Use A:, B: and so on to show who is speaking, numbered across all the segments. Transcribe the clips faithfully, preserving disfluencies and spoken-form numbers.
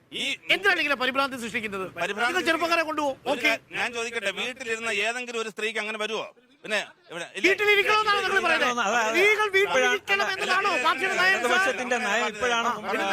A: ഈ
B: എന്തിനാണ് ഇങ്ങനെ പരിഭ്രാന്തി സൃഷ്ടിക്കുന്നത്? നിങ്ങൾ ചെറുപ്പക്കാരെ കൊണ്ടുപോകും. ഓക്കെ,
A: ഞാൻ ചോദിക്കട്ടെ, വീട്ടിലിരുന്ന ഏതെങ്കിലും ഒരു സ്ത്രീക്ക് അങ്ങനെ വരുമോ? പിന്നെ
B: വീട്ടിലിരിക്കണമെന്നാണ് നിങ്ങൾ പറയുന്നത്. സ്ത്രീകൾ വീട്ടിലിരിക്കണം എന്നതാണോ പാർട്ടിയുടെ നയം?
C: ഇടതുപക്ഷത്തിന്റെ നയം ഇപ്പോഴാണ്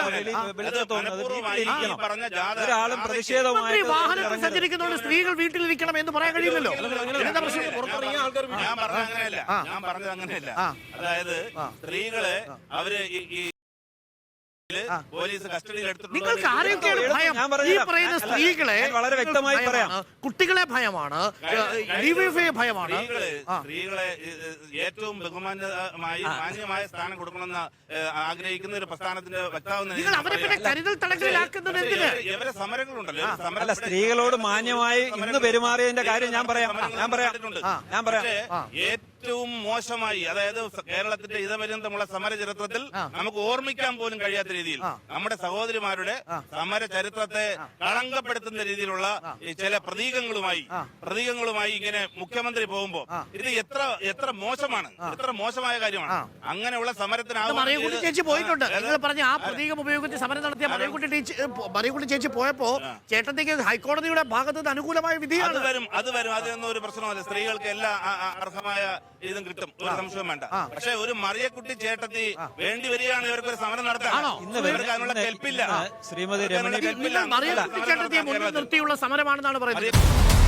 C: ഒരാളും പ്രതിഷേധവുമായി
B: വാഹനത്തിൽ സഞ്ചരിക്കുന്നതുകൊണ്ട് സ്ത്രീകൾ വീട്ടിലിരിക്കണം എന്ന് പറയാൻ കഴിയില്ലല്ലോ. എന്താ പ്രശ്നം? പുറത്തിറങ്ങിയ ആൾക്കാർ
A: ഞാൻ പറഞ്ഞത് അങ്ങനെയല്ല, ഞാൻ പറഞ്ഞത് അങ്ങനെയല്ല. അതായത് സ്ത്രീകളെ അവര് ഈ പോലീസ് കസ്റ്റഡിയിൽ എടുത്തിട്ടുണ്ട്.
B: നിങ്ങൾക്ക് ആരെയൊക്കെയാണ് ഭയം? ഈ പറയുന്ന സ്ത്രീകളെ
C: വളരെ വ്യക്തമായി പറയാം.
B: കുട്ടികളെ ഭയമാണ്, ഡിവൈഎഫ്ഐ ഭയമാണ്.
A: സ്ത്രീകളെ ഏറ്റവും ബഹുമാന്യമായി മാന്യമായ സ്ഥാനം കൊടുക്കണമെന്ന് ആഗ്രഹിക്കുന്ന ഒരു പ്രസ്ഥാനത്തിന്റെ വക്താവ്
B: നിങ്ങൾ അവരെ പിന്നെ കരുതൽ തടങ്കലിലാക്കുന്നത് എന്തിന്?
A: ഇവരെ സമരങ്ങളുണ്ടല്ലോ.
C: അല്ല, സ്ത്രീകളോട് മാന്യമായി ഇന്ന് പെരുമാറിയതിന്റെ കാര്യം ഞാൻ പറയാം ഞാൻ പറയാം ഞാൻ പറയാം
A: ഏറ്റവും മോശമായി, അതായത് കേരളത്തിന്റെ ഇതപര്യന്തമുള്ള സമര ചരിത്രത്തിൽ നമുക്ക് ഓർമ്മിക്കാൻ പോലും കഴിയാത്ത രീതിയിൽ നമ്മുടെ സഹോദരിമാരുടെ സമര ചരിത്രത്തെ കളങ്കപ്പെടുത്തുന്ന രീതിയിലുള്ള ചില പ്രതീകങ്ങളുമായി പ്രതീകങ്ങളുമായി ഇങ്ങനെ മുഖ്യമന്ത്രി പോകുമ്പോ ഇത് എത്ര എത്ര മോശമാണ്, എത്ര മോശമായ കാര്യമാണ്. അങ്ങനെയുള്ള സമരത്തിന്
B: മറിയക്കുട്ടി ചേച്ചി പോയിട്ടുണ്ട്. നിങ്ങൾ പറഞ്ഞ ആ പ്രതീകം ഉപയോഗിച്ച് സമരം നടത്തിയ മറിയക്കുട്ടി ചേച്ചി മറിയക്കുട്ടി ചേച്ചി പോയപ്പോ ചേട്ടത്തേക്ക് ഹൈക്കോടതിയുടെ ഭാഗത്ത് നിന്ന് അനുകൂലമായ വിധിയാണ്.
A: അത് വരും അത് വരും അതിനൊന്നും ഒരു പ്രശ്നമല്ല. സ്ത്രീകൾക്ക് എല്ലാ അർഹമായ ഇതും കിട്ടും, ഒരു സംശയം വേണ്ട. പക്ഷെ ഒരു മറിയക്കുട്ടി ചേട്ടത്തി വേണ്ടി വരികയാണ് ഇവർക്ക് ഒരു സമരം നടത്താൻ. അതിനുള്ള കെൽപ്പില്ല.
C: ശ്രീമതി രമണി
B: മറിയക്കുട്ടി ചേട്ടത്തിയെ മുന്നിൽ നിർത്തിയുള്ള സമരമാണെന്നാണ് പറയുന്നത്.